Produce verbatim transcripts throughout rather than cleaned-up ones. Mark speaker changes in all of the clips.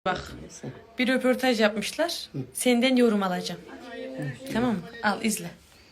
Speaker 1: Bak, bir röportaj yapmışlar. Senden yorum alacağım. Tamam mı? Al izle.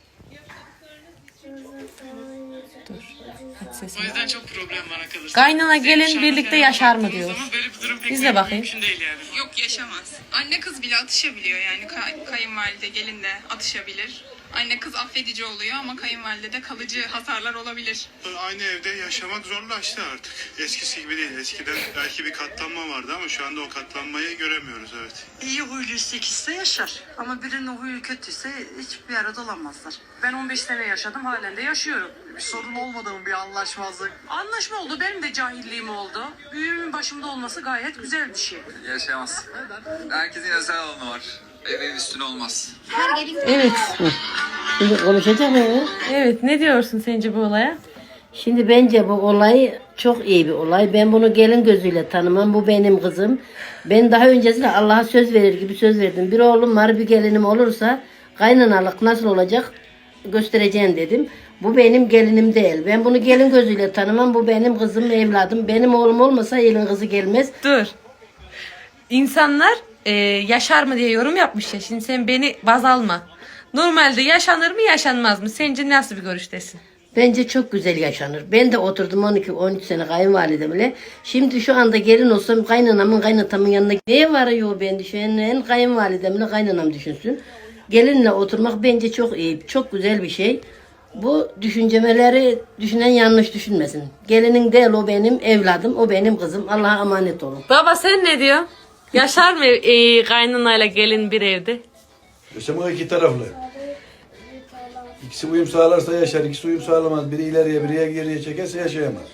Speaker 1: Dur. Hadi sesini.
Speaker 2: O yüzden çok problem bana kalırsa.
Speaker 1: Kaynana gelin birlikte yaşar mı diyor.
Speaker 2: Böyle bir durum pek
Speaker 1: İzle bakayım.
Speaker 2: mümkün değil yani.
Speaker 3: Yok, yaşamaz. Anne kız bile atışabiliyor yani. Kay- kayınvalide gelin de atışabilir. Anne kız affedici oluyor ama kayınvalide de kalıcı hasarlar olabilir.
Speaker 4: Aynı evde yaşamak zorlaştı artık. Eskisi gibi değil. Eskiden belki bir katlanma vardı ama şu anda o katlanmayı göremiyoruz, evet.
Speaker 5: İyi huyluysa ikisi de yaşar. Ama birinin huyu kötüyse hiçbir arada olamazlar. Ben on beş sene yaşadım, halen de yaşıyorum. Bir sorun olmadı mı, bir anlaşmazlık? Anlaşma oldu, benim de cahilliğim oldu. Büyüğümün başımda olması gayet güzel bir şey.
Speaker 6: Yaşayamaz. Herkesin özel alanı var. Ev ev üstüne olmaz.
Speaker 1: Evet.
Speaker 7: Şimdi konuşacak mı?
Speaker 1: Evet. Ne diyorsun sence bu olaya?
Speaker 7: Şimdi bence bu olay çok iyi bir olay. Ben bunu gelin gözüyle tanımam. Bu benim kızım. Ben daha öncesinde Allah'a söz verir gibi söz verdim. Bir oğlum var, bir gelinim olursa kaynanalık nasıl olacak göstereceğim dedim. Bu benim gelinim değil. Ben bunu gelin gözüyle tanımam. Bu benim kızım, evladım. Benim oğlum olmasa elin kızı gelmez.
Speaker 1: Dur. İnsanlar e, yaşar mı diye yorum yapmış ya. Şimdi sen beni baz alma. Normalde yaşanır mı yaşanmaz mı? Sence nasıl bir görüştesin?
Speaker 7: Bence çok güzel yaşanır. Ben de oturdum on iki on üç sene kayınvalidemle. Şimdi şu anda gelin olsam kaynanamın kaynatamın yanına neye varıyor ben düşünen kayınvalidemle kaynanam düşünsün. Gelinle oturmak bence çok iyi. Çok güzel bir şey. Bu düşüncemeleri düşünen yanlış düşünmesin. Gelinin değil, o benim evladım, o benim kızım. Allah'a emanet olun.
Speaker 1: Baba sen ne diyorsun? Yaşar mı e, kaynanayla gelin bir evde?
Speaker 8: Yaşamak iki taraflı. İkisi uyum sağlarsa yaşar, ikisi uyum sağlamaz. Biri ileriye, biri geriye çekerse yaşayamaz.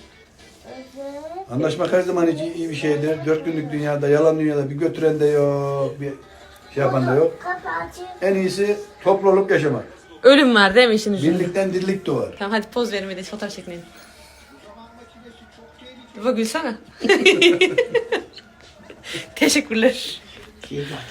Speaker 8: Anlaşmak her zaman için iyi bir şeydir. Dört günlük dünyada, yalan dünyada bir götüren de yok, bir şey yapan da yok. En iyisi toplu olup yaşamak.
Speaker 1: Ölüm var değil mi işin ucunda?
Speaker 8: Birlikten dirlik doğar.
Speaker 1: Tamam hadi poz verin bir de fotoğraf çekinelim. Baba gülsene. Teşekkürler.